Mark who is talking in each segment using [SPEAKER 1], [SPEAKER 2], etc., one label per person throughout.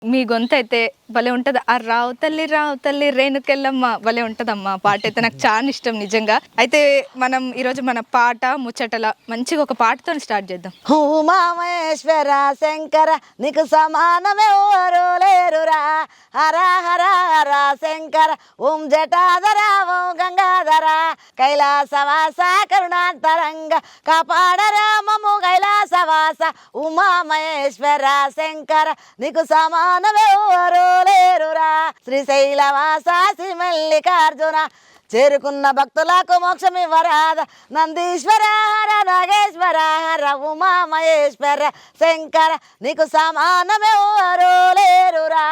[SPEAKER 1] మీ గొంతు అయితే భలే ఉంటది. ఆ రావు తల్లి రేణుకెళ్ళమ్మ భలే ఉంటదమ్మా. పాట అయితే నాకు చాలా ఇష్టం నిజంగా. అయితే మనం ఈరోజు మన పాట ముచ్చటల మంచిగా ఒక పాటతో స్టార్ట్ చేద్దాం.
[SPEAKER 2] ఉమామేశ్వర శంకర నీకు సమానమెవరు లేరురా, హర హర హర శంకర ఓం జటాధర ఓం గంగాధర కైలాసవాస కరుణాంతరంగ కాపాడరా మమ్ము కైలాసవాస. ఉమామహేశ్వర శంకర నీకు సమానమెవరు లేరురా, శ్రీశైలవాస శ్రీ మల్లికార్జున చేరుకున్న భక్తులకు మోక్షం ఇవ్వరాద. నందీశ్వర హర నాగేశ్వర హర ఉమామహేశ్వర శంకర నీకు సమానమెవరు లేరురా.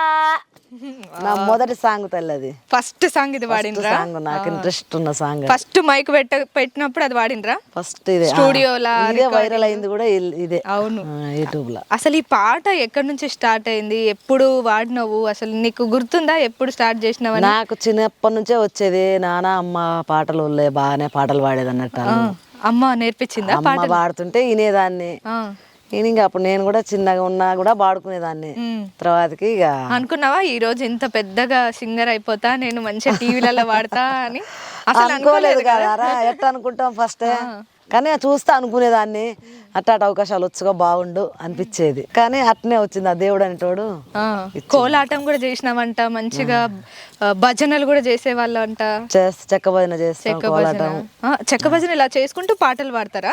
[SPEAKER 2] నా మొదటి సాంగ్ తల్లది,
[SPEAKER 1] ఫస్ట్ సాంగ్ ఇది వాడినరా?
[SPEAKER 2] సాంగ్ నాకు ఇంట్రెస్ట్ ఉన్న సాంగ్.
[SPEAKER 1] ఫస్ట్ మైక్ పెట్టినప్పుడు అది వాడినరా?
[SPEAKER 2] ఫస్ట్ ఇదే
[SPEAKER 1] స్టూడియోలా
[SPEAKER 2] వైరల్ అయింది కూడా ఇదే.
[SPEAKER 1] అవును,
[SPEAKER 2] యూట్యూబ్ లో.
[SPEAKER 1] అసలు ఈ పాట ఎక్కడి నుంచి స్టార్ట్ అయింది, ఎప్పుడు వాడినవు, అసలు నీకు గుర్తుందా ఎప్పుడు స్టార్ట్ చేసినావు?
[SPEAKER 2] నాకు చిన్నప్పటి నుంచే వచ్చేది. నాన్న అమ్మ పాటలు బాగానే పాటలు పాడేది అన్నట్టు.
[SPEAKER 1] అమ్మ నేర్పించిందా?
[SPEAKER 2] అమ్మ పాడుతుంటే వినేదాన్ని. ఇంకా అప్పుడు నేను కూడా చిన్నగా ఉన్నా కూడా పాడుకునేదాన్ని. తర్వాతకి ఇక
[SPEAKER 1] అనుకున్నావా ఈ రోజు ఇంత పెద్దగా సింగర్ అయిపోతా, నేను మంచిగా టీవీలలో వాడతా అని? అసలు
[SPEAKER 2] అనుకోలేదు కదా. ఎట్లా అనుకుంటాం ఫస్ట్, కానీ చూస్తా అనుకునేదాన్ని. అట్టాట అవకాశాలు వచ్చుగా బాగుండు అనిపించేది, కానీ అట్నే వచ్చింది ఆ దేవుడు అనేటోడు.
[SPEAKER 1] కోలాటం కూడా చేసినావంట, మంచిగా భజనలు కూడా చేసేవాళ్ళు అంట.
[SPEAKER 2] చెక్క భజన చేస్తాం, కోలాటం.
[SPEAKER 1] చెక్క భజన ఇలా చేసుకుంటూ పాటలు పాడతారా?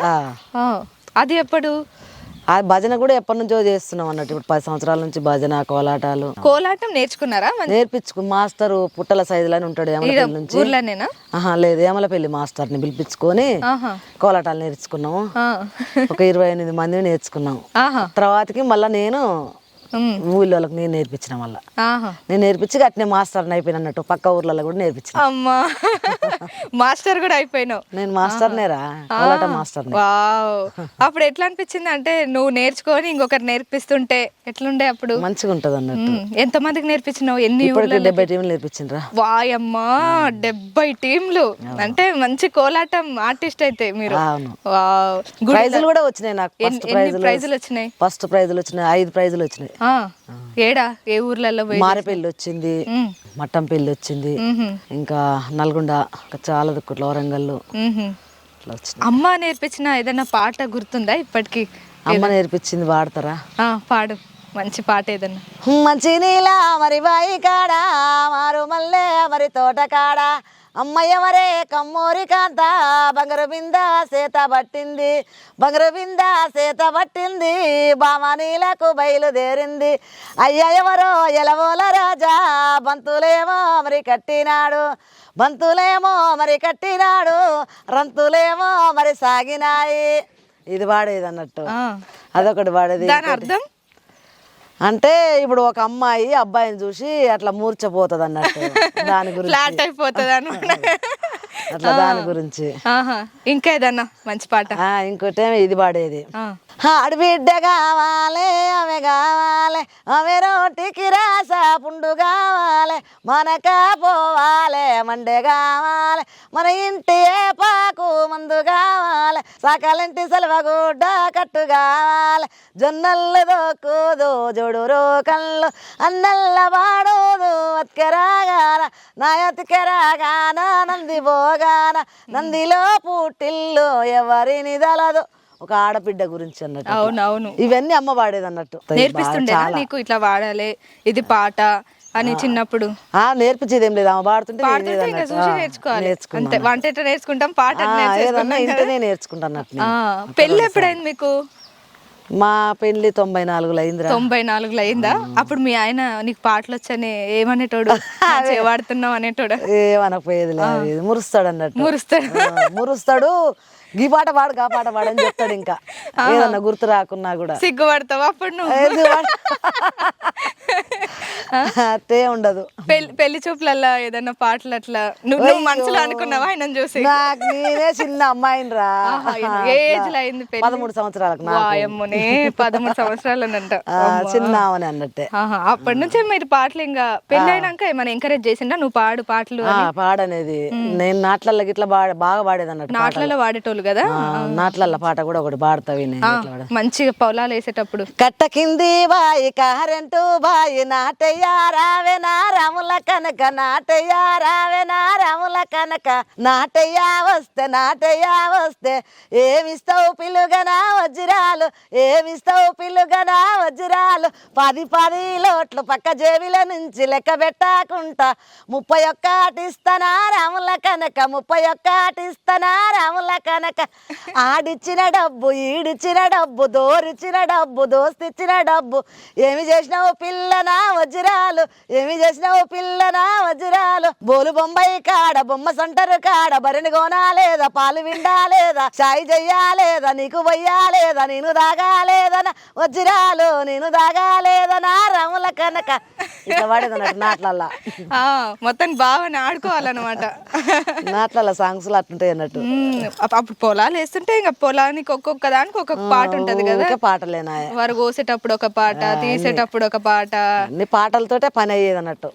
[SPEAKER 1] అది ఎప్పుడు?
[SPEAKER 2] ఆ భజన కూడా ఎప్పటి నుంచో చేస్తున్నాం అన్నట్టు. ఇప్పుడు 10 సంవత్సరాల నుంచి భజన కోలాటాలు.
[SPEAKER 1] కోలాటం నేర్చుకున్నారా?
[SPEAKER 2] నేర్పించుకు మాస్టర్ పుట్టల సైజులని ఉంటాడు ఏమలపల్లి నుంచి.
[SPEAKER 1] ఊర్లోనేనా? లేదు,
[SPEAKER 2] ఏమలపల్లి మాస్టర్ ని పిలిపించుకొని కోలాటాలు నేర్చుకున్నాము. ఒక 28 మందిని నేర్చుకున్నాం. తర్వాతకి మళ్ళా నేను ఊళ్ళోకి నేను నేర్పించిన. మళ్ళీ నేను నేర్పించి అట్నే మాస్టర్ అయిపోయిన అన్నట్టు. పక్క ఊర్లలో కూడా నేర్పించిన.
[SPEAKER 1] అమ్మా, మాస్టర్ కూడా అయిపోయినావు?
[SPEAKER 2] నేను మాస్టర్నేరా, కోలాట మాస్టర్.
[SPEAKER 1] అప్పుడు ఎట్లా అనిపించింది అంటే నువ్వు నేర్చుకొని ఇంకొకరు నేర్పిస్తుంటే ఎట్లుండే అప్పుడు?
[SPEAKER 2] మంచిగా ఉంటది అన్నట్టు.
[SPEAKER 1] ఎంత మందికి నేర్పించినావు? ఎన్ని?
[SPEAKER 2] 70 టీంలు నేర్పించిండ్రా.
[SPEAKER 1] వాయమ్మా, 70 టీంలు అంటే మంచి కోలాటం ఆర్టిస్ట్ అయితే మీరు.
[SPEAKER 2] ప్రైజులు కూడా వచ్చినాయి నాకు.
[SPEAKER 1] ప్రైజులు వచ్చినాయి?
[SPEAKER 2] ఫస్ట్ ప్రైజులు వచ్చినాయి, 5 ప్రైజులు వచ్చినాయి.
[SPEAKER 1] ఏడా ఏ ఊర్లలో?
[SPEAKER 2] మారేపల్లి వచ్చింది, మట్టంపల్లి వచ్చింది, ఇంకా నల్గొండ, చాలా దుక్కుట్లో వరంగల్.
[SPEAKER 1] అమ్మ నేర్పించిన ఏదైనా పాట గుర్తుందా ఇప్పటికి?
[SPEAKER 2] అమ్మ నేర్పించింది పాడతారా?
[SPEAKER 1] పాడు, మంచి పాట ఏదన్నా.
[SPEAKER 2] మంచి నీలా మరి బాయి కాడా, మారు మల్లె మరి తోట కాడా, అమ్మయ్యవరే కమ్మూరి కాంత బంగారు బింద సేత పట్టింది, బంగారు బింద సేత పట్టింది, బామనీలకు బయలుదేరింది. అయ్య ఎవరో ఎలవోల రాజా, బంతులేమో మరి కట్టినాడు, బంతులేమో మరి కట్టినాడు, రంతులేమో మరి సాగినాయి. ఇది పాడేది అన్నట్టు. అదొకటి పాడేది.
[SPEAKER 1] అర్థం
[SPEAKER 2] అంటే ఇప్పుడు ఒక అమ్మాయి అబ్బాయిని చూసి అట్లా మూర్చపోతుంది అన్నట్టు, దాని గురించి.
[SPEAKER 1] ఫ్లాట్ అయిపోతుంది అనమాట.
[SPEAKER 2] అట్లా దాని గురించి.
[SPEAKER 1] ఇంకా ఏదన్నా మంచి పాట?
[SPEAKER 2] ఇంకోటి ఇది పాడేది. ఆడబిడ్డ కావాలి, ఆమె కావాలి, ఆమె రోటికి రాస పుండు కావాలి, మనక పోవాలి మండే కావాలి, మన ఇంటి పాకు మందు కావాలి, సకలింటి సెలవగుడ్డ కట్టు కావాలి, జొన్నల్లు దోక్కుదు జోడు రోకళ్ళు అన్నల్ల వాడోదు అతికెరాగాన నా ఎతికెరాగాన నంది పోగాన నందిలో పుట్టిల్లు ఎవరిని దలదు. ఒక ఆడబిడ్డ గురించి అన్నట్టు.
[SPEAKER 1] అవునవును,
[SPEAKER 2] ఇవన్నీ అమ్మ పాడేది అన్నట్టు.
[SPEAKER 1] నేర్పిస్తుండే నీకు ఇట్లా వాడాలి ఇది పాట అని చిన్నప్పుడు?
[SPEAKER 2] నేర్పించేది ఏం లేదు, ఆమె పాడుతుంటే
[SPEAKER 1] నేర్చుకోవాలి. అంతే, వంట ఎట్లా నేర్చుకుంటాం, పాట
[SPEAKER 2] ఇంటనే నేర్చుకుంటాను.
[SPEAKER 1] పెళ్ళి ఎప్పుడైంది మీకు?
[SPEAKER 2] మా పెళ్లి 94లో అయిందిరా.
[SPEAKER 1] 94లో అయిందా? అప్పుడు మీ ఆయన నీకు పాటలు వచ్చని ఏమనేటోడు? వాడుతున్నావు అనేటోడు?
[SPEAKER 2] ఏమనకపోయేది లేదు, మురుస్తాడు అన్నట్టు. మురుస్తాడు, గీ పాట పాడు గా పాట పాడని చెప్తాడు. ఇంకా ఏదన్నా గుర్తు రాకున్నా కూడా
[SPEAKER 1] సిగ్గుపడతావు అప్పుడు నువ్వు?
[SPEAKER 2] అట్టే ఉండదు.
[SPEAKER 1] పెళ్లి చూపులల్లా ఏదన్నా పాటలు అట్లా నువ్వు మనసులో అనుకున్నావా ఆయన చూసి?
[SPEAKER 2] నాకు నేనే చిన్న అమ్మాయిని రా.
[SPEAKER 1] ఏ ఏజ్ లో అయింది పెళ్లి?
[SPEAKER 2] 13 సంవత్సరాలకు నాకు.
[SPEAKER 1] వాయమ్మనే 13 సంవత్సరాలనంట.
[SPEAKER 2] చిన్న ఆమెని అన్నట్టే.
[SPEAKER 1] అప్పటి నుంచే మీరు పాటలు ఇంకా పెళ్లి అయినాక ఏమైనా ఎంకరేజ్ చేసిండా నువ్వు పాడు పాటలు?
[SPEAKER 2] పాడనేది నేను నాట్లల్లో గిట్లా బాగా పాడేది అన్నట్టు.
[SPEAKER 1] నాట్లలో వాడేటోళ్ళు కదా.
[SPEAKER 2] నాట్లల్లో పాట కూడా ఒకటి పాడతావి.
[SPEAKER 1] మంచిగా పొలాలు వేసేటప్పుడు
[SPEAKER 2] కట్ట కింది బాయి కరెంటు బాయి నాటయ్య రావేనా రాముల కనక నాటయ్య రావేనా రాముల కనక నాటయ్య వస్తే ఏమిస్తావు పిల్లుగనా వజ్రాలు ఏమిస్తావు పిల్లుగనా వజ్రాలు 10 లోట్లు పక్క జేబుల నుంచి లెక్క పెట్టకుంటా 31 ఇస్తానా రాముల కనక 31 ఇస్తానా రాముల కనక ఆడిచ్చిన డబ్బు ఈడిచ్చిన డబ్బు దోరిచ్చిన డబ్బు దోస్తిచ్చిన డబ్బు ఏమి చేసినావు పిల్లనా వజ్రాలు ఏమి చేసినావు పిల్లనా వజ్రాలు బోలు బొంబాయి కాడ బొమ్మ సంటరు కాడ బరిని కొనాలేదా పాలు విండాలేదా చాయ్ చెయ్యాలేదా నీకు వయ్యాలేదా నేను దాగాలేదనా వజ్రాలు నేను దాగాలేదనా రాముల కనక ఇట్లా పడేదన్నట్టు నాట్లల్లా.
[SPEAKER 1] మొత్తం బాగా ఆడుకోవాలన్నమాట.
[SPEAKER 2] నాట్లల్లా సాంగ్స్ అట్లుంటాయి అన్నట్టు.
[SPEAKER 1] అప్పుడు పొలాలు వేస్తుంటే ఇంకా పొలానికి ఒక్కొక్క దానికి ఒక్కొక్క పాట ఉంటది కదా.
[SPEAKER 2] పాటలేనా
[SPEAKER 1] వారు కోసేటప్పుడు ఒక పాట తీసేటప్పుడు ఒక పాట
[SPEAKER 2] అన్ని పాటలతోటే పని అయ్యేది అన్నట్టు.